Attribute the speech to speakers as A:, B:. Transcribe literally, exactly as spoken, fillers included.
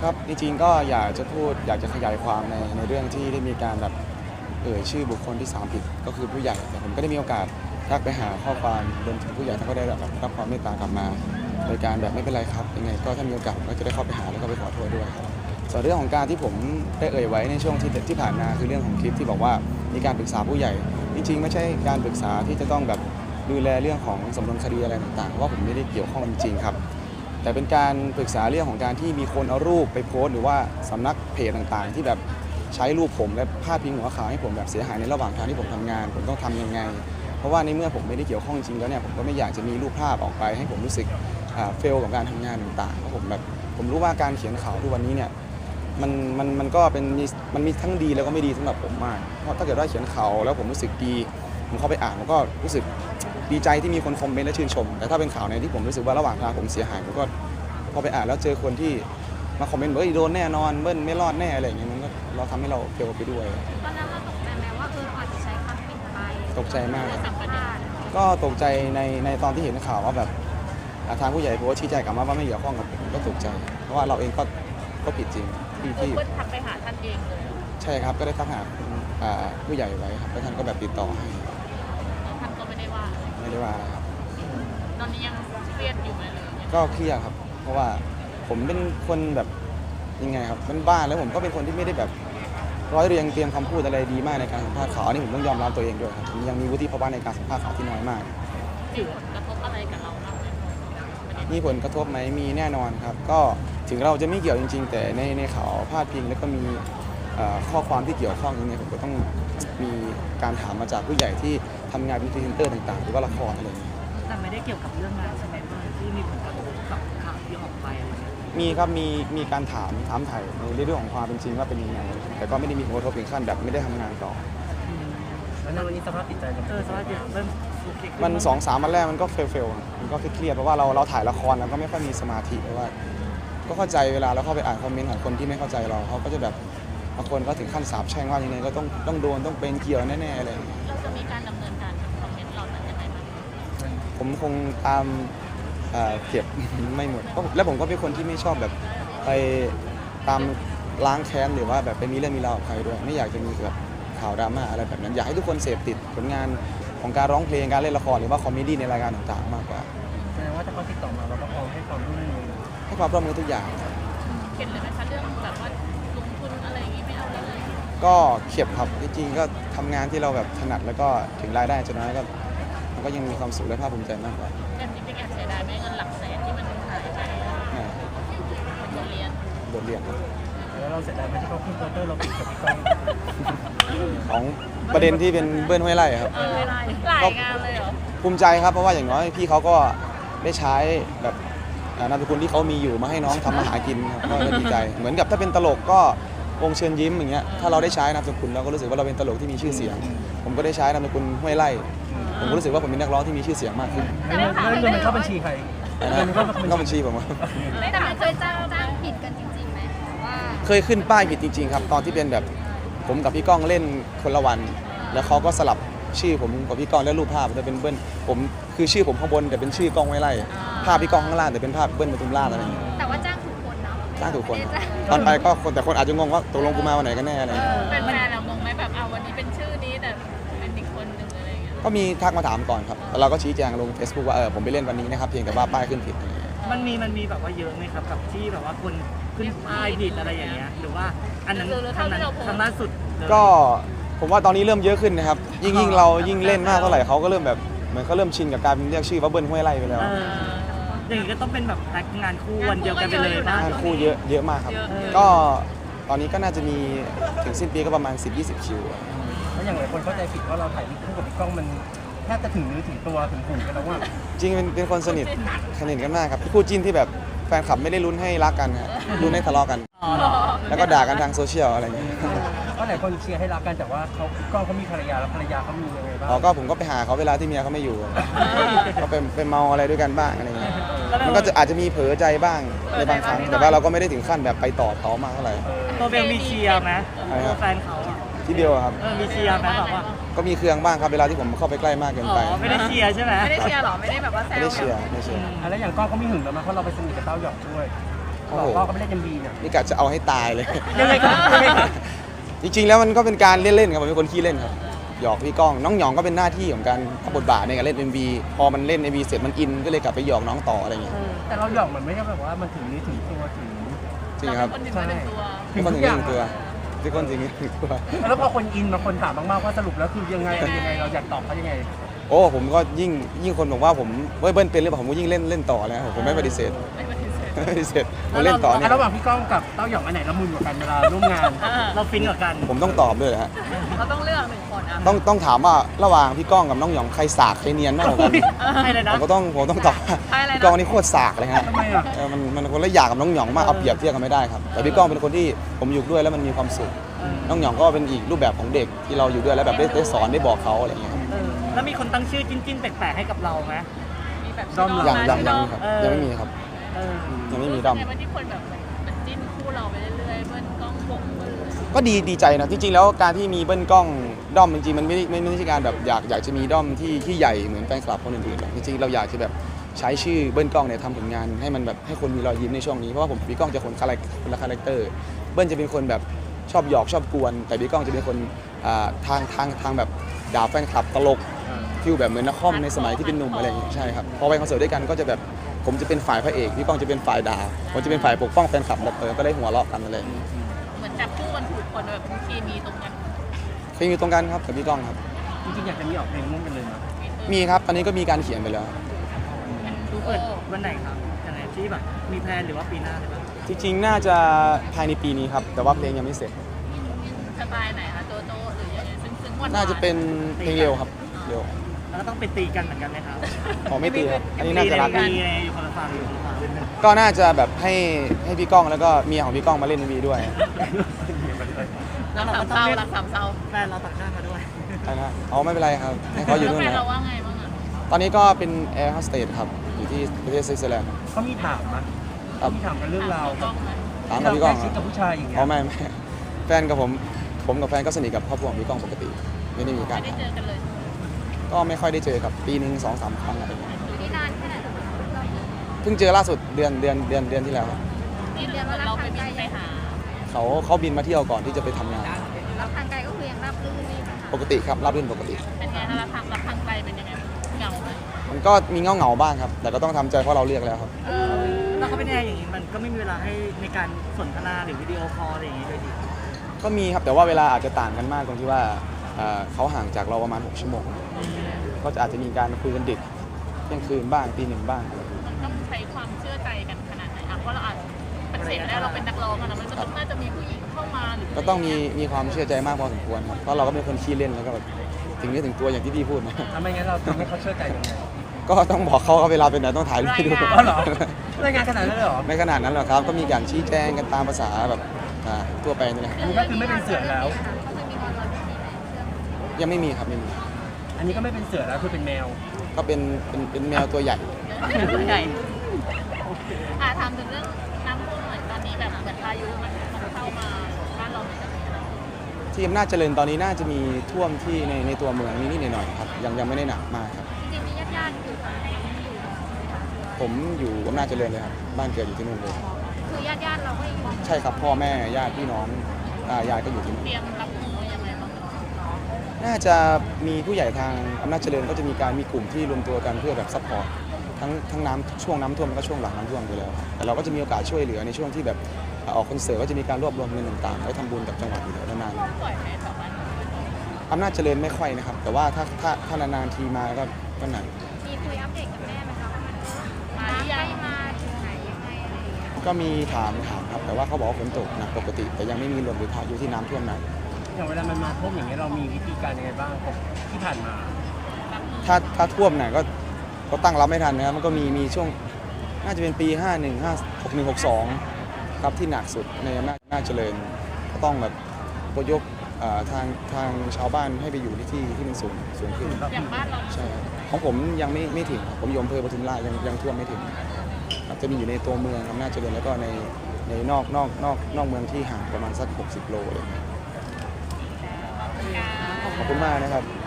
A: ครับจริงๆก็อยากจะพูดอยากจะขยายความในในเรื่องที่ได้มีการแบบเอ่ยชื่อบุคคลที่สามผิดก็คือผู้ใหญ่แต่ผมก็ได้มีโอกาสทักไปหาข้อความรวมถึงผู้ใหญ่ท่านก็ได้แบบรับความเมตตากลับมาโดยการแบบไม่เป็นไรครับยังไงก็ถ้ามีโอกาสผมก็จะได้เข้าไปหาแล้วก็ไปขอโทษด้วยครับส่วนเรื่องของการที่ผมได้เอ่ยไว้ในช่วงที่ที่ผ่านมาคือเรื่องของคลิปที่บอกว่ามีการปรึกษาผู้ใหญ่จริงๆไม่ใช่การปรึกษาที่จะต้องแบบดูแลเรื่องของสำนวนคดีอะไรต่างๆเพราะว่าผมไม่ได้เกี่ยวข้องจริงๆครับแต่เป็นการปรึกษาเรื่องของการที่มีคนเอารูปไปโพสต์หรือว่าสำนักเพจต่างๆที่แบบใช้รูปผมและพาดพิงหัวข่าวให้ผมแบบเสียหายในระหว่างทางที่ผมทำงานผมต้องทำยังไงเพราะว่าในเมื่อผมไม่ได้เกี่ยวข้องจริงแล้วเนี่ยผมก็ไม่อยากจะมีรูปภาพออกไปให้ผมรู้สึกเฟลกับการทำงานต่างๆเพราะผมแบบผมรู้ว่าการเขียนข่าวทุกวันนี้เนี่ยมันมันมันก็เป็นมีมันมีทั้งดีแล้วก็ไม่ดีสำหรับผมมากเพราะถ้าเกิดว่าเขียนข่าวแล้วผมรู้สึกดีผมเข้าไปอ่านผมก็รู้สึกดีใจที่มีคนคอมเมนต์และชื่นชมแต่ถ้าเป็นข่าวในที่ผมรู้สึกว่าระหว่างทางผมเสียหายผมก็พอไปอ่านแล้วเจอคนที่มาคอมเมนต์บอกว่าโดนแน่นอนเบิ้ลไม่รอดแน่อะไรอย่างเงี้ยมันก็เราทำให้เราเฟลไปด้วย
B: ตอนนั้นเราตกใจไหมว่าเอออาจจะใช้คำผิดไป
A: ตกใจมาก
B: สัมปทาน
A: ก็ตกใจในในตอนที่เห็นข่าวว่าแบบทางผู้ใหญ่โพสต์ชี้แจงกลับมาว่าไม่เกี่ยวข้องกับผมก็ตกใจเพราะว่าเราเองก็ก็ผิดจริงที่ที่
B: เพื่อนทักไปหาท่านเองเลย
A: ใช่ครับก็ได้ทักหาผู้ใหญ่ไว้ครับแล้วท่านก็แบบติดต่อให้
B: ท่านก็ไม่ได้ว่า
A: ไม่ได้ว่าอะไรครับ
B: ตอนนี้ยังเครียดอยู่ไหมเลย
A: ก็เครียดครับเพราะว่าผมเป็นคนแบบยังไงครับเป็นบ้านแล้วผมก็เป็นคนที่ไม่ได้แบบร้อยเรียงเตรียมคำพูดอะไรดีมากในการสัมภาษณ์ข่าวนี่ผมต้องยอมรับตัวเองด้วยครับผมยังมีวุฒิภาวะในการสัมภาษณ์ข่าวที่น้อยมาก
B: มีผลกระทบอะไรกับเราบ้าง
A: มีผลกระทบไหมมีแน่นอนครับก็ถึงเราจะไม่เกี่ยวจริงๆแต่ในในข่าวพาดพิงแล้วก็มีข้อความที่เกี่ยวข้องยังไงผมก็ต้องมีการถามมาจากผู้ใหญ่ที่ทำงานเป็นพรีเซนเตอร์ต่างๆหรือว่าละครอะไรอย่างเงี้ย
C: แต่ไม่ได้เกี่ยวกับเรื่องงานใช่ไหมที่มีผลกระทบกับข่าวที่ออกไปอะไรเงี้ย
A: มีครับมีมีการถามถามไถ่ในเรื่องของความเป็นจริงว่าเป็นยังไงแต่ก็ไม่ได้มีผลกระทบถึงขั้นแบบไม่ได้ทำงานต่อ
C: แล้วในวันนี้สภาพจิตใจเออสภาพจิตเริ่ม
A: มันสองสามวันแรกมันก็เฟลเฟลมันก็เครียดเพราะว่าเราเราถ่ายละครแล้วก็ไม่ค่อยมีสมาธิเพราะว่าก็เข้าใจเวลาเราเข้าไปอ่านคอมเมนต์ของคนที่ไม่เข้าใจเราเขาก็จะแบบบางคนก็ถึงขั้นสาปแช่งว่ายังไงก็ต้องต้องโดนต้องเป็นเกี่ยวแน่ๆอะไร
B: เราจะมีการดำเนินการกับคอมเมนต์เรานั้นยังไงบ้าง
A: ผมคงตามเก็บไม่หมดและผมก็เป็นคนที่ไม่ชอบแบบไปตามล้างแค้นหรือว่าแบบไปมีเรื่องมีราวกับใครด้วยไม่อยากจะมีแบบข่าวดราม่าอะไรแบบนั้นอยากให้ทุกคนเสพติดผลงานของการร้องเพลงการเล่นละครหรือว่าคอมเมดี้ในรายการต่างๆมากกว่า
C: แสดงว่าถ้าเขาติดต่อมาเราก็พร้อมให้ความร่วมมือ
A: ให้ความร่วมมือทุกอย่าง
B: เข็ดเลยไหมคะเรื่องแบบว่าลงทุนอะไรอย่างงี้ไม่เอาเลย
A: ก็เข็ดครับจริงๆก็ทำงานที่เราแบบถนัดแล้วก็ถึงรายได้จะน้อยก็มันก็ยังมีความสุขและภาคภูมิใจมากกว่า
B: แต่จริงๆแอบเสียดายไหมเงินหลักแสนที่มันหายไปบทเรียน
A: บทเรียน
C: แล้วเราเสียดายไหมที่เขาขึ้นโปสเตอร์เราปิดกับพี่ก้อง
A: ของประเด็นที่เป็นเบิ้ลห้วยไร่ครับ
B: หลายงานเลยเหรอ
A: ภูมิใจครับเพราะว่าอย่างน้อยพี่เขาก็ได้ใช้แบบนามสกุลที่เขามีอยู่มาให้น้องทำมาหากินครับก็ดีใจเหมือนกับถ้าเป็นตลกก็วงเชิญยิ้มอย่างเงี้ยถ้าเราได้ใช้นามสกุลเราก็รู้สึกว่าเราเป็นตลกที่มีชื่อเสียงผมก็ได้ใช้นามสกุลห้วยไร่ผมก็รู้สึกว่าผมเป็นนักร้องที่มีชื่อเสียงมากขึ้น
C: เงินมันเข้าบัญชีใคร
A: เงินเข้าบัญชีผม
B: ไม่แต่เคยจ้างจ้างผิดกันจริงๆไหมว่า
A: เคยขึ้นป้ายผิดจริงๆครับตอนที่เป็นแบบผมกับพี่ก้องเล่นคนละวันแล้วเขาก็สลับชื่อผมกับพี่ก้องและรูปภาพจะเป็นเบิ้ลผมคือชื่อผมข้างบนแต่เป็นชื่อก้องห้วยไร่ภาพพี่ก้องข้างล่างแต่เป็นภาพเบิ้ลปทุมราชอะไรอย่างเงี้ย
B: แต่ว่าจ้างถูกคนเนาะ
A: จ้างถูกคนตอนไปก็คนแต่คนอาจจะงงว่าตกลงกูมาวันไหนกันแน่อะไรอย่างเงี้ย
B: เป็นแฟนเรางงไหมแบบเอาวันนี้เป็นชื่อนี้แต่เป็นอีกคนหนึ่งอะไรอย่างเงี้ย
A: ก็มีทักมาถามก่อนครับแล้วเราก็ชี้แจงลง Facebook ว่าเออผมไปเล่นวันนี้นะครับเพียงแต่ว่าป้ายขึ้นผิด
C: มันมีมันมีแบบว่าเยอะไหมครับกับที่แบบว่าคนขึ้นป้ายผิดอะไรอย่างเงี้ยหรือว่าอันนั้นทางนั้นทางล่าสุด
A: ก็ผมว่าตอนนี้เริ่มเยอะขึ้นนะครับยิ่งยิ่งเรายิ่งเล่นมากเท่าไหร่เขาก็เริ่มแบบเหมือนเขาเริ่มชินกับการเรียกชื่อว่าเบิ้ลห้วยไร่ไปแล้ว
C: อย่างนี้ก็ต้องเป็นแบบงานคู่วันเดียวกันไปเลยนะ
A: งานคู่เยอะเยอะมากครับก็ตอนนี้ก็น่าจะมีถึงสิ้นปีก็ประมาณ สิบถึงยี่สิบ คิว
C: แล้วอย่างไรคนเข้าใจผิดว่าเราถ่ายคู่กับพี่ก้องมันแทบจะถึงนึกถึงตัวถึงหูกันแล้วว่า
A: จริงเป็นเป็นคนสนิทสนิทกันมากครับคู่จิ้นที่แบบแฟนคลับไม่ได้ลุ้นให้รักกันฮะลุ้นให้ทะเลาะกันแล้วก็ด่ากันทางโซเชียลอะไรอย่างเงี้ย
C: ก็หลายคนเชียร์ให้รักกันแต่ว่าเขาก้องเขามีภรรยาแล้วภรรยาเขามียังไงบ้าง
A: อ๋อก็ผมก็ไปหาเขาเวลาที่เมียเขาไม่อยู่ก็เป็นเป็นเมาอะไรด้วยกันบ้างอะไรเงี้ยมันก็จะอาจจะมีเผลอใจบ้างในบางครั้งแต่ว่าเราก็ไม่ได้ถึงขั้นแบบไปต่อเขามากเท่าไหร่
C: ตัวเบลมีเชียร์ไหมตัวแฟนเขา
A: ที่เบลครับ
C: มีเชียร์ไหมแบบว่า
A: ก็มีเครื่องบ้างครับเวลาที่ผมเข้าไปใกล้มากเกินไป
C: ไม่ได้เชียร์ใช่ไหม
B: ไม่ได้เชียร์หรอไม่ได้แบบว่าแซว
A: ไม่ได้เชียร์ไม่เชียร์
C: แล้วอย่างก้องเขามีหึงแล้วมั้ยเพราะเราไปสนิทกับเต้าหยอกด้วย
A: โอ้
D: บอ
A: โห
D: กพ่อก็ไม่ได้เอ็มบีเนี่ย
A: นี่กะจะเอาให้ตายเลย
D: ยังไงครับยังไงครับ
A: จริงๆแล้วมันก็เป็นการเล่นๆครับผมเป็นคนขี้เล่นครับหยอกพี่ก้องน้องหยองก็เป็นหน้าที่ของการรับบทบาทในการเล่น เอ็ม วี พอมันเล่น เอ็ม วี เสร็จมันอินก็เลยกลับไปหยอกน้องต่ออะไรอย่างเงี้ย
D: แต่เราหยอกมันไม่ใช่แบบว่ามันถึงนี้ถึงตัวถึง
A: จริงครับ
B: คนหนึ่งมาหนึ่งตัว
A: ทุกคนถึงนี่ถึงตัวทุกคนถึงนี่ถึงตัว
D: แล้วพอคนอินบางคนถามมากๆว่าสรุปแล้วคือยังไงอะไรยังไงเราอยากตอบเขายังไง
A: โอ้ผมก็ยิ่งยิ่งคนบอกว่าผมเว้ยเบิ้ลเป็นหรือเปล่าผมก็ยิ่งเล่นเล่นต่อเลยครับผมไม่ปฏิเสธ
B: ไม่ปฏิเสธ
A: ไม่ปฏิเสธผมเล่นต่อเนี่ย
D: ระหว่างพี่ก้องกับเต้าหยองอันไหนละมุนกว่ากันเวลาร่วมงาน
C: เราฟินกับกัน
A: ผมต้องตอบด้วยเหรอฮะ
B: เราต้องเลือกหนึ่งคนอ่ะ
A: ต้องต้องถามว่าระหว่างพี่ก้องกับน้องหยองใครสากใครเนียนมากกว่ากัน
C: ให้เลย
A: ผ
C: นะ
A: มก็ต้องผมต้องตอบว่า
B: ใช่อะไร
A: พี่
B: นะ
A: ก้องนี่โคตรสากเลยฮะ
D: ทำไมอ่ะ
A: เออมันมันคนละอย่างกับน้องหยองมากเอาเปรียบเทียบกันไม่ได้ครับแต่พี่ก้องเป็นคนที่ผมอยู่ด้วยแล้วมันมีความสุขน้องหยองก็เป็นอีกรูปแบบของเด็กที่เราอยู่ด้วยแล้วแบบได้ได้สอนได้บอกเขาอะไรอย่างเงี้ยครับ
C: เออแล้วมีคนตั้งชื่อจิ้นๆแปลกๆให้กับเราไหม
B: มีแบบ
D: ด้อมหลั
A: ยังยังยังครับ
C: เออ
A: ยังไม่มีครับ
C: เออ
A: ยังไม่มีด้อม
B: ในวันที่คนแบบมันจิ้นคู่เราไปเรื่อยๆเบิ้ลกล้องปกเบิ้ลเลย
A: ก็ดีดีใจนะจริงๆแล้วการที่มีเบิ้ลกล้องด้อมจริงๆมันไม่ได้ไม่ไม่ใช่การแบบอยากอยากจะมีด้อมที่ที่ใหญ่เหมือนแฟนคลับคนอื่นๆหรอกจริงๆเราอยากจะแบบใช้ชื่อเบิ้ลกล้องเนี่ยทำผลงานให้มันแบบให้คนมีรอยยิ้มในช่วงนี้เพราะว่าผมกับพี่ก้องจะคนคาแรคคนละคาแรคเตอร์เบิ้ลจะเป็นคนแบบชอบหยอกชอบกวน แต่พี่ก้องจะเป็นคนอ่าทางทางทางแบบด่าแฟนคลับตลกฟิลแบบเหมือนนักคอมในสมัยที่เป็นหนุ่มอะไรอย่างเงี้ยใช่ครับพอไปคอนเสิร์ตด้วยกันก็จะแบบผมจะเป็นฝ่ายพระเอกพี่ก้องจะเป็นฝ่ายด่าผมจะเป็นฝ่ายปกป้องแฟนคลับแบบเออก็ได้หัวเราะกันอะไรอย่างเงี้ย
B: เหมือนจับคู่กันถูกคนแบบเคมีตรงกัน
A: เคยมีตรงกันครับกับพี่ก้องครับ
D: จริงๆอยากจะมีออกเพลงร่วมกันเลยนะ
A: มีครับตอนนี้ก็มีการเขียนไปแล้ว
C: ดูเปิดวันไหนครับยังไงที่แบบมีแพลนหรือว่าปีหน้าเลยปะ
A: จริงๆ น่าจะภายในปีนี้ครับ แต่ว่าเพลงยังไม่เสร็จ
B: สไตล์ไหนคะโจโจ้หรือยังไงซึ่งซึ่งวัน
A: น่าจะเป็นเพลงเร็วครับ เร็ว
C: แล้วก็ต้องไปตีกันเหมือนกันไหมครับ
A: ขอไม่ตีครับ อันนี้น่าจะรัก
C: ตีในอยู่คนละฝั่งอยู่คนละฝั่ง
A: ก็น่าจะแบบให้ให้พี่ก้องแล้วก็เมียของพี่ก้องมาเล่นในวีด้วย
B: รักสามเศร้ารักสามเศร้า
C: แฟนเราตัดหน้ามาด้วย
A: ใช่นะอ๋อไม่เป็นไรครับ ให้เขาอยู่นู่น
B: แฟน
A: นะ
B: เราว่าไงบ้างอ่ะ
A: ตอนนี้ก็เป็นแอร์โฮสเตสครับ อยู่ที่ประเทศสวิตเซอร์แลนด์
D: เขามีถามมั้ย
A: ครั
D: เขา
A: บ
D: มีถามกันเรื่องราว
B: กล้องไหม
A: ถาม
D: ที่
A: กับ
D: เรา
A: พี่ก้อง
D: ใกล้ชิดกับผู้ชายอย่างเงี้ย
A: อ๋อไม่ไม่แฟนกับผม ผมกับแฟนก็สนิทกับครอบครัวของพี่ก้องปกติ ไม่ได้มีการ
B: ไม่ได้เจอกันเลย
A: ก็ไม่ค่อยได้เจอครับปีหนึ่งสองสามครั้งอะไรอย่างเงี้ย
B: อยู่ที่นานแค่ไหน
A: เพิ่งเจอล่าสุดเดือนเดือนเดือนเดือนที่แล้วครับ
B: นี่เดือนเราไปบินไปหา
A: เขาเขาบินมาเที่ยวก่อนที่จะไปทำงาน
B: รับทางไกลก็คือยังรับรื่นนี่
A: ปกติครับรับรื่นปกติ
B: เป็นไงคะรับทางรับทางไกลเป็นยังไงเหงาไหม
A: มันก็มีเงาเงาๆบ้างครับ แต่ก็ต้องทำใจเพราะเราเรียกแล้วครับ
B: เออ
C: แล้วเขาเป็นแอร์อย่างนี้มันก็ไม่มีเวลาให้ในการสนทนาหรือวิดีโอคอลอะไรอย่างนี้เลยดิ
A: ก็มีครับแต่ว่าเวลาอาจจะต่างกันมากตรงที่ว่าเอ่อเขาห่างจากเราประมาณหกชั่วโมง ก็จะอาจจะมีการคุยกันดึกเที่ยงคืนบ้างตีหนึ่งบ้าง
B: มันต้องใช้ความเชื่อใจกันขนาดไหนอ่ะเพราะเราอาจปฏิเสธไม่ได้เราเป็นนักร้องอะนะมันก็ต้องน่าจะมีผู้หญิงเข้ามาหรือ
A: ก็ต้องมีมีความเชื่อใจมากพอสมควรครับเพราะเราก็เป็นคนขี้เล่นแล้วก็แบบถึงเนื้อถึงตัวอย่างที่พี่พูดนะ
D: ทำไมงั้นเราทำให้เขาเชื่อใจยังไง
A: ก็ต้องบอกเขาว่าเวลาเป็นไหนต้องถ่ายรูปให้ดู
D: อ๋อเหรอรายงานขนาดนั้นเลยเหรอ
A: ไม่ขนาดนั้นหรอกครับก็มีการชี้แจงกันตามภาษาแบบอ่าทั่วไปนี่แหละ
D: อันนี้ก็คือไม่เป็นเสือแล้ว
A: ยังไม่มีครับไม่มี
D: อันนี้ก็ไม่เป็นเสือแล้วคือเป็นแมว
A: ก็เป็นเป็นเป็นแมวตัวใหญ่
B: ตัวใหญ่อ่ะถามถึงเรื่องน้ำท่วมหน่อยตอนนี้แบบเหมือนพายุมันเข้ามาบ้านเราเหมือนกัน
A: ที่อำนาจเจริญตอนนี้น่าจะมีท่วมที่ในในตัวเมืองนิดๆหน่อยๆครับยังยังไม่ได้หนักมากครับ
B: จริงๆมีญาติๆอยู่ไหม
A: ผมอยู่อำนาจเจริญเลยครับบ้านเกิดอยู่ที่นู่นเลย
B: คือญาติๆเราก็ยัง
A: ใช่ครับพ่อแม่ญาติพี่น้องตายายก็อยู่ที่นู่น
B: เตรียมรับมือยังไงบ้าง
A: น่าจะมีผู้ใหญ่ทางอำนาจเจริญก็จะมีการมีกลุ่มที่รวมตัวกันเพื่อแบบซัพพอร์ตทั้งทั้งน้ำช่วงน้ำท่วมแล้วก็ช่วงหลังน้ำท่วมไปแล้วครับแต่เราก็จะมีโอกาสช่วยเหลือในช่วงที่แบบออกคอนเสิร์ตก็จะมีการรวบรวมเงินต่างๆไว้ทำบุญกับจังหวัดอยู่แล้วนาน
B: ปล่อยให้ชาวบ้าน
A: ๆอำนาจเจริญไม่ค่อยนะครับ แต่ว่าถ้าถ้าถ้านานๆทีมาก็ก็หนัก
B: มีคุยอัปเดตกับแม่ไหมคะว่ามันมาหรือยังมาถึงไหนยังไงอะไรอย่างเงี้ย
A: ก็มีถามถามครับแต่ว่าเขาบอกว่าฝนตกหนักปกติ แต่ยังไม่มีลมหรือพายุที่น้ำท่วมหนัก
D: อย่างเวลามันมาท่วมอย่างเงี้ยเรามีวิธีการยังไงบ้างของที่ผ่านมา
A: ถ้าถ้าท่วมหนักก็ก็ตั้งรับไม่ทันนะครับมันก็มีมีช่วงน่าจะเป็นปี ห้าหนึ่ง ห้า หกหนึ่ง หกสอง ครับที่หนักสุดในอำนาจอำนาจเจริญก็ต้องแบบอพยพเอ่อทางทางชาวบ้านให้ไปอยู่ที่ที่ที่มันสูงสูงขึ้น
B: อย่างบ้านเรา
A: ใช่ครับของผมยังไม่ไม่ถึงครับผมอยู่อำเภอปทุมราชยังยังท่วมไม่ถึงครับจะมีอยู่ในตัวเมืองอำนาจเจริญแล้วก็ในในนอกนอกนอกนอกเมืองที่ห่างประมาณสักหกสิบโลเลยขอบคุณมากนะครับ